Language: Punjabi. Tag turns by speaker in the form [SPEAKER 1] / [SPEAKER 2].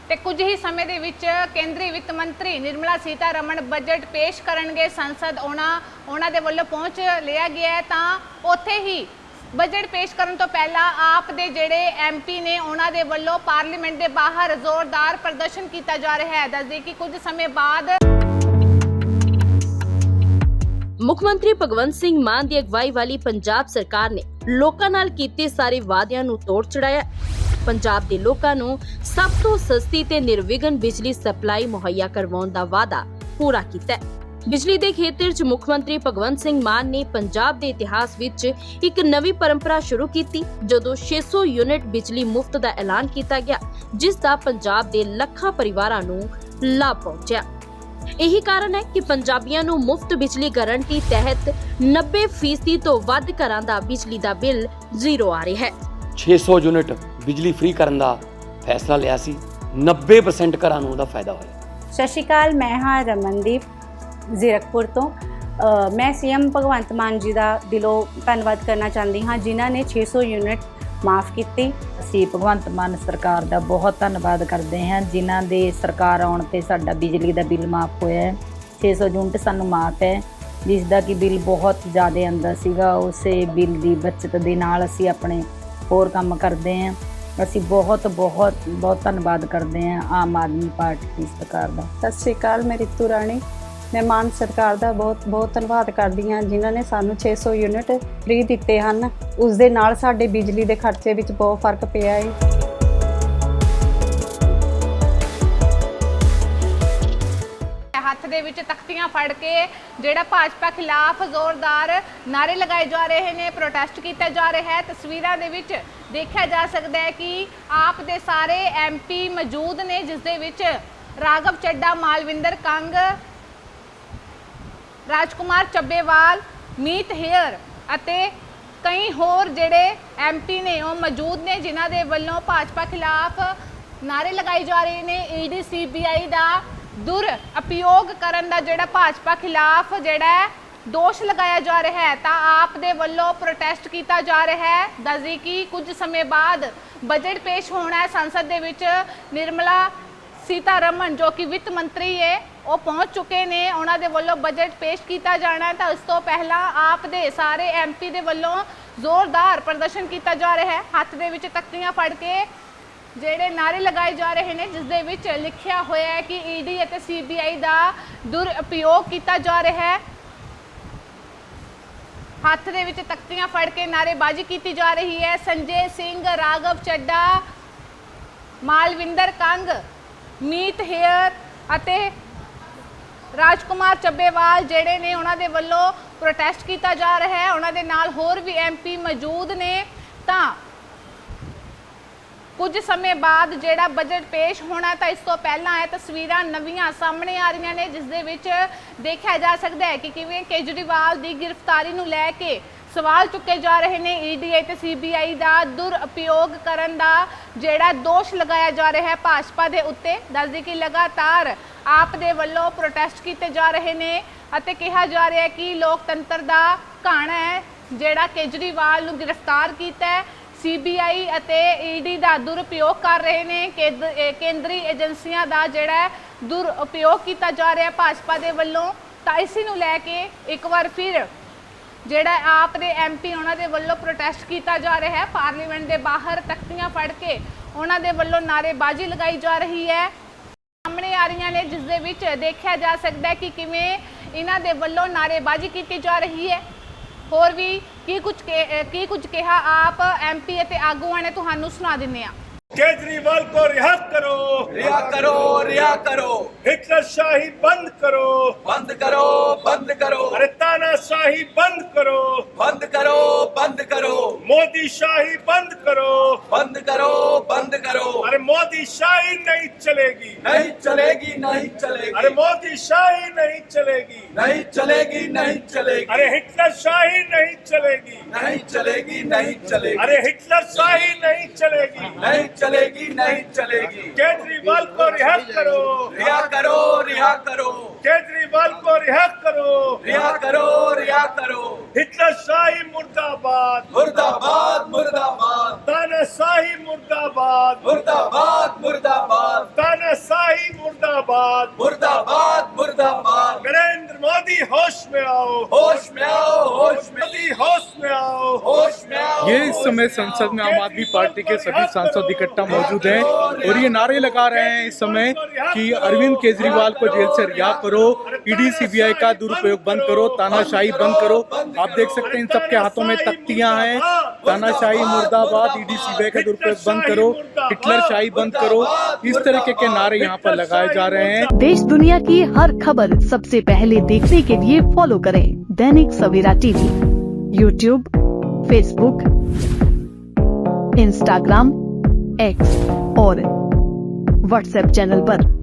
[SPEAKER 1] ਤੇ ਕੁਝ ਹੀ ਸਮੇਂ ਦੇ ਵਿੱਚ ਕੇਂਦਰੀ ਵਿੱਤ ਮੰਤਰੀ ਨਿਰਮਲਾ ਸੀਤਾਰਮਣ ਬਜਟ ਪੇਸ਼ ਕਰਨਗੇ। ਸੰਸਦ ਉਹਨਾਂ ਦੇ ਵੱਲੋਂ ਪਹੁੰਚ ਲਿਆ ਗਿਆ ਹੈ। ਤਾਂ ਉੱਥੇ ਹੀ ਬਜਟ ਪੇਸ਼ ਕਰਨ ਤੋਂ ਪਹਿਲਾਂ ਆਪ ਦੇ ਜਿਹੜੇ ਐਮਪੀ ਨੇ ਉਹਨਾਂ ਦੇ ਵੱਲੋਂ ਪਾਰਲੀਮੈਂਟ ਦੇ ਬਾਹਰ ਜ਼ੋਰਦਾਰ ਪ੍ਰਦਰਸ਼ਨ ਕੀਤਾ ਜਾ ਰਿਹਾ ਹੈ। ਦੱਸਦੇ ਕਿ ਕੁਝ ਸਮੇਂ ਬਾਅਦ
[SPEAKER 2] ਮੁੱਖ ਮੰਤਰੀ ਭਗਵੰਤ ਸਿੰਘ ਮਾਨ ਦੀ ਅਗਵਾਈ ਵਾਲੀ ਪੰਜਾਬ ਸਰਕਾਰ ਨੇ ਲੋਕਾਂ ਨਾਲ ਕੀਤੇ ਸਾਰੇ ਵਾਅਦਿਆਂ ਨੂੰ ਤੋੜ ਚੜਾਇਆ। ਪੰਜਾਬ ਦੇ ਲੋਕਾਂ ਨੂੰ ਸਭ ਤੋਂ ਸਸਤੀ ਤੇ ਨਿਰਵਿਘਨ ਬਿਜਲੀ ਸਪਲਾਈ ਮੁਹੱਈਆ ਕਰਵਾਉਣ ਦਾ ਵਾਅਦਾ ਪੂਰਾ ਕੀਤਾ ਹੈ। ਬਿਜਲੀ ਦੇ ਖੇਤਰ 'ਚ ਮੁੱਖ ਮੰਤਰੀ ਭਗਵੰਤ ਸਿੰਘ ਮਾਨ ਨੇ ਪੰਜਾਬ ਦੇ ਇਤਿਹਾਸ ਵਿੱਚ ਇੱਕ ਨਵੀਂ ਪਰੰਪਰਾ ਸ਼ੁਰੂ ਕੀਤੀ, ਜਦੋਂ 600 ਯੂਨਿਟ ਬਿਜਲੀ ਮੁਫਤ ਦਾ ਐਲਾਨ ਕੀਤਾ ਗਿਆ, ਜਿਸ ਦਾ ਪੰਜਾਬ ਦੇ ਲੱਖਾਂ ਪਰਿਵਾਰਾਂ ਨੂੰ ਲਾਭ ਪਹੁੰਚਿਆ। ਇਹੀ ਕਾਰਨ ਹੈ ਕਿ ਪੰਜਾਬੀਆਂ ਨੂੰ ਮੁਫਤ ਬਿਜਲੀ ਗਾਰੰਟੀ ਤਹਿਤ 90% ਤੋਂ ਵੱਧ ਘਰਾਂ ਦਾ ਬਿਜਲੀ ਦਾ ਬਿੱਲ ਜ਼ੀਰੋ ਆ ਰਿਹਾ ਹੈ।
[SPEAKER 3] 600 ਯੂਨਿਟ ਬਿਜਲੀ ਫ੍ਰੀ ਕਰਨ ਦਾ ਫੈਸਲਾ ਲਿਆ ਸੀ, 90% ਘਰਾਂ ਨੂੰ ਉਹਦਾ ਫਾਇਦਾ ਹੋਇਆ।
[SPEAKER 4] ਸਤਿ ਸ਼੍ਰੀ ਅਕਾਲ, ਮੈਂ ਹਾਂ ਰਮਨਦੀਪ ਜ਼ੀਰਕਪੁਰ ਤੋਂ। ਮੈਂ ਸੀਐਮ ਭਗਵੰਤ ਮਾਨ ਜੀ ਦਾ ਦਿਲੋਂ ਧੰਨਵਾਦ ਕਰਨਾ ਚਾਹੁੰਦੀ ਹਾਂ, ਜਿਨ੍ਹਾਂ ਨੇ 600 ਯੂਨਿਟ ਮਾਫ ਕੀਤੀ।
[SPEAKER 5] ਅਸੀਂ ਭਗਵੰਤ ਮਾਨ ਸਰਕਾਰ ਦਾ ਬਹੁਤ ਧੰਨਵਾਦ ਕਰਦੇ ਹਾਂ, ਜਿਨ੍ਹਾਂ ਦੇ ਸਰਕਾਰ ਆਉਣ ਤੇ ਸਾਡਾ ਬਿਜਲੀ ਦਾ ਬਿੱਲ ਮਾਫ ਹੋਇਆ ਹੈ। 600 ਯੂਨਿਟ ਸਾਨੂੰ ਮਾਫ ਹੈ, ਜਿਸ ਦਾ ਕਿ ਬਿੱਲ ਬਹੁਤ ਜ਼ਿਆਦਾ ਆਉਂਦਾ ਸੀਗਾ। ਉਸੇ ਬਿੱਲ ਦੀ ਬਚਤ ਦੇ ਨਾਲ ਅਸੀਂ ਆਪਣੇ ਹੋਰ ਕੰਮ ਕਰਦੇ ਹਾਂ। ਅਸੀਂ ਬਹੁਤ ਧੰਨਵਾਦ ਕਰਦੇ ਹਾਂ ਆਮ ਆਦਮੀ ਪਾਰਟੀ ਦੀ ਸਰਕਾਰ ਦਾ।
[SPEAKER 6] ਸਤਿ ਸ਼੍ਰੀ ਅਕਾਲ, ਮੈਂ ਰਿਤੂ ਰਾਣੀ। ਮੈਂ ਮਾਨ ਸਰਕਾਰ ਦਾ ਬਹੁਤ ਧੰਨਵਾਦ ਕਰਦੀ ਹਾਂ, ਜਿਨ੍ਹਾਂ ਨੇ ਸਾਨੂੰ 600 ਯੂਨਿਟ ਫ੍ਰੀ ਦਿੱਤੇ ਹਨ। ਉਸ ਦੇ ਨਾਲ ਸਾਡੇ ਬਿਜਲੀ ਦੇ ਖਰਚੇ ਵਿੱਚ ਬਹੁਤ ਫਰਕ ਪਿਆ ਹੈ।
[SPEAKER 1] ਹੱਥ ਦੇ ਵਿੱਚ ਤਖਤੀਆਂ ਫੜ ਕੇ ਜਿਹੜਾ ਭਾਜਪਾ ਖਿਲਾਫ ਜ਼ੋਰਦਾਰ ਨਾਰੇ ਲਗਾਏ ਜਾ ਰਹੇ ਨੇ, ਪ੍ਰੋਟੈਸਟ ਕੀਤਾ ਜਾ ਰਿਹਾ ਹੈ। ਤਸਵੀਰਾਂ ਦੇ ਵਿੱਚ ਦੇਖਿਆ ਜਾ ਸਕਦਾ ਹੈ ਕਿ ਆਪ ਦੇ ਸਾਰੇ ਐਮਪੀ ਮੌਜੂਦ ਨੇ, ਜਿਸ ਦੇ ਵਿੱਚ ਰਾਘਵ ਚੱਡਾ, ਮਾਲਵਿੰਦਰ ਕੰਗ, ਰਾਜਕੁਮਾਰ ਚੱਬੇਵਾਲ, ਮੀਤ ਹੇਅਰ ਅਤੇ ਕਈ ਹੋਰ ਜਿਹੜੇ ਐਮਪੀ ਨੇ ਉਹ ਮੌਜੂਦ ਨੇ, ਜਿਨ੍ਹਾਂ ਦੇ ਵੱਲੋਂ ਭਾਜਪਾ ਖਿਲਾਫ ਨਾਰੇ ਲਗਾਏ ਜਾ ਰਹੇ ਨੇ। ਈਡੀ ਸੀਬੀਆਈ ਦਾ ਦੁਰਉਪਯੋਗ ਕਰਨ ਦਾ ਜਿਹੜਾ ਭਾਜਪਾ ਖਿਲਾਫ ਜਿਹੜਾ ਦੋਸ਼ ਲਗਾਇਆ ਜਾ ਰਿਹਾ ਹੈ, ਤਾਂ ਆਪ ਦੇ ਵੱਲੋਂ ਪ੍ਰੋਟੈਸਟ ਕੀਤਾ ਜਾ ਰਿਹਾ ਹੈ। ਦੱਸਦੀ ਕਿ ਕੁਝ ਸਮੇਂ ਬਾਅਦ ਬਜਟ ਪੇਸ਼ ਹੋਣਾ ਹੈ ਸੰਸਦ ਦੇ ਵਿੱਚ। ਨਿਰਮਲਾ ਸੀਤਾਰਮਣ ਜੋ ਕਿ ਵਿੱਤ ਮੰਤਰੀ ਹੈ, ਉਹ ਪਹੁੰਚ ਚੁੱਕੇ ਨੇ। ਉਹਨਾਂ ਦੇ ਵੱਲੋਂ ਬਜਟ ਪੇਸ਼ ਕੀਤਾ ਜਾਣਾ ਹੈ, ਤਾਂ ਉਸ ਤੋਂ ਪਹਿਲਾਂ ਆਪ ਦੇ ਸਾਰੇ ਐਮਪੀ ਦੇ ਵੱਲੋਂ ਜ਼ੋਰਦਾਰ ਪ੍ਰਦਰਸ਼ਨ ਕੀਤਾ ਜਾ ਰਿਹਾ ਹੈ। ਹੱਥ ਦੇ ਵਿੱਚ ਤਖਤੀਆਂ ਫੜ ਕੇ ਜਿਹੜੇ ਨਾਰੇ ਲਗਾਏ ਜਾ ਰਹੇ ਨੇ, ਜਿਸ ਦੇ ਵਿੱਚ ਲਿਖਿਆ ਹੋਇਆ ਹੈ ਕਿ ਈਡੀ ਅਤੇ ਸੀਬੀਆਈ ਦਾ ਦੁਰਉਪਯੋਗ ਕੀਤਾ ਜਾ ਰਿਹਾ ਹੈ। ਹੱਥ ਦੇ ਵਿੱਚ ਤਖਤੀਆਂ ਫੜ ਕੇ ਨਾਅਰੇਬਾਜ਼ੀ ਕੀਤੀ ਜਾ ਰਹੀ ਹੈ। ਸੰਜੇ ਸਿੰਘ, ਰਾਘਵ ਚੱਡਾ, ਮਾਲਵਿੰਦਰ ਕੰਗ, ਮੀਤ ਹੇਅਰ ਅਤੇ ਰਾਜਕੁਮਾਰ ਚੱਬੇਵਾਲ ਜਿਹੜੇ ਨੇ, ਉਹਨਾਂ ਦੇ ਵੱਲੋਂ ਪ੍ਰੋਟੈਸਟ ਕੀਤਾ ਜਾ ਰਿਹਾ ਹੈ। ਉਹਨਾਂ ਦੇ ਨਾਲ ਹੋਰ ਵੀ ਐਮਪੀ ਮੌਜੂਦ ਨੇ। ਤਾਂ ਕੁਝ ਸਮੇਂ ਬਾਅਦ ਜਿਹੜਾ ਬਜਟ ਪੇਸ਼ ਹੋਣਾ, ਤਾਂ ਇਸ ਤੋਂ ਪਹਿਲਾਂ ਇਹ ਤਸਵੀਰਾਂ ਨਵੀਆਂ ਸਾਹਮਣੇ ਆ ਰਹੀਆਂ ਨੇ, ਜਿਸ ਦੇ ਵਿੱਚ ਦੇਖਿਆ ਜਾ ਸਕਦਾ ਹੈ ਕਿ ਕਿਵੇਂ ਕੇਜਰੀਵਾਲ ਦੀ ਗ੍ਰਿਫਤਾਰੀ ਨੂੰ ਲੈ ਕੇ ਸਵਾਲ ਚੁੱਕੇ ਜਾ ਰਹੇ ਨੇ। ਈਡੀ ਅਤੇ ਸੀਬੀਆਈ ਦਾ ਦੁਰਉਪਯੋਗ ਕਰਨ ਦਾ ਜਿਹੜਾ ਦੋਸ਼ ਲਗਾਇਆ ਜਾ ਰਿਹਾ ਹੈ ਭਾਜਪਾ ਦੇ ਉੱਤੇ। ਦੱਸਦੀ ਕਿ ਲਗਾਤਾਰ ਆਪ ਦੇ ਵੱਲੋਂ ਪ੍ਰੋਟੈਸਟ ਕੀਤੇ ਜਾ ਰਹੇ ਨੇ ਅਤੇ ਕਿਹਾ ਜਾ ਰਿਹਾ ਹੈ ਕਿ ਲੋਕਤੰਤਰ ਦਾ ਘਾਣਾ ਹੈ ਜਿਹੜਾ ਕੇਜਰੀਵਾਲ ਨੂੰ ਗ੍ਰਿਫਤਾਰ ਕੀਤਾ ਹੈ। ਸੀਬੀਆਈ ਅਤੇ ਈਡੀ ਦਾ ਦੁਰਉਪਯੋਗ ਕਰ ਰਹੇ ਨੇ। ਕੇਂਦਰੀ ਏਜੰਸੀਆਂ ਦਾ ਜਿਹੜਾ ਦੁਰਉਪਯੋਗ ਕੀਤਾ ਜਾ ਰਿਹਾ ਭਾਜਪਾ ਦੇ ਵੱਲੋਂ। ਤਾਂ ਇਸੇ ਨੂੰ ਲੈ ਕੇ ਇੱਕ ਵਾਰ ਫਿਰ ਜਿਹੜਾ ਆਪ ਦੇ ਐਮਪੀ ਉਹਨਾਂ ਦੇ ਵੱਲੋਂ ਪ੍ਰੋਟੈਸਟ ਕੀਤਾ ਜਾ ਰਿਹਾ ਹੈ। ਪਾਰਲੀਮੈਂਟ ਦੇ ਬਾਹਰ ਤਖਤੀਆਂ ਫੜ ਕੇ ਉਹਨਾਂ ਦੇ ਵੱਲੋਂ ਨਾਅਰੇਬਾਜ਼ੀ ਲਗਾਈ ਜਾ ਰਹੀ ਹੈ, ਸਾਹਮਣੇ ਆ ਰਹੀਆਂ ਨੇ, ਜਿਸ ਦੇ ਵਿੱਚ ਦੇਖਿਆ ਜਾ ਸਕਦਾ ਹੈ ਕਿ ਕਿਵੇਂ ਇਹਨਾਂ ਦੇ ਵੱਲੋਂ ਨਾਅਰੇਬਾਜ਼ੀ ਕੀਤੀ ਜਾ ਰਹੀ ਹੈ। ਹੋਰ ਵੀ ਕੀ ਕੁਝ ਕਿਹਾ ਆਪ ਐਮਪੀ ਅਤੇ ਆਗੂਆਂ ਨੇ, ਤੁਹਾਨੂੰ ਸੁਣਾ ਦਿੰਦੇ ਆ।
[SPEAKER 7] केजरीवाल को रिहा करो,
[SPEAKER 8] रिहा करो, रिहा करो।
[SPEAKER 7] हिटलर शाही बंद करो,
[SPEAKER 8] बंद करो, बंद करो।
[SPEAKER 7] अरे तानाशाही बंद करो,
[SPEAKER 8] बंद करो, बंद करो।
[SPEAKER 7] मोदी शाही बंद करो,
[SPEAKER 8] बंद करो, बंद करो।
[SPEAKER 7] अरे मोदी शाही नहीं चलेगी,
[SPEAKER 8] नहीं चलेगी, नहीं चलेगी।
[SPEAKER 7] अरे मोदी शाही नहीं चलेगी,
[SPEAKER 8] नहीं चलेगी, नहीं चलेगी।
[SPEAKER 7] अरे हिटलर शाही नहीं चलेगी,
[SPEAKER 8] नहीं चलेगी, नहीं चलेगी।
[SPEAKER 7] अरे हिटलर शाही नहीं चलेगी,
[SPEAKER 8] नहीं चलेगी, नहीं चलेगी।
[SPEAKER 7] केजरीवाल को रिहा करो,
[SPEAKER 8] रिहा करो, रिहा करो।
[SPEAKER 7] केजरीवाल को रिहा करो,
[SPEAKER 8] रिहा करो, रिहा करो।
[SPEAKER 7] हिटलर शाही मुर्दाबाद,
[SPEAKER 8] मुर्दाबाद, मुर्दाबाद।
[SPEAKER 7] तानाशाही मुर्दाबाद,
[SPEAKER 8] मुर्दाबाद, मुर्दाबाद।
[SPEAKER 7] ताना
[SPEAKER 9] में संसद में आम आदमी पार्टी के सभी सांसद इकट्ठा मौजूद हैं और ये नारे लगा रहे हैं इस समय कि अरविंद केजरीवाल को जेल से रिहा करो, ईडी सीबीआई का दुरुपयोग बंद करो, तानाशाही बंद करो। आप देख सकते हैं इन सबके हाथों में तख्तियां हैं। तानाशाही मुर्दाबाद, ईडी सीबीआई का दुरुपयोग बंद करो, हिटलर शाही बंद करो, इस तरीके के नारे यहाँ पर लगाए जा रहे हैं।
[SPEAKER 10] देश दुनिया की हर खबर सबसे पहले देखने के लिए फॉलो करें Dainik Savera TV, YouTube, Facebook, Instagram, X और व्हाट्सएप चैनल पर।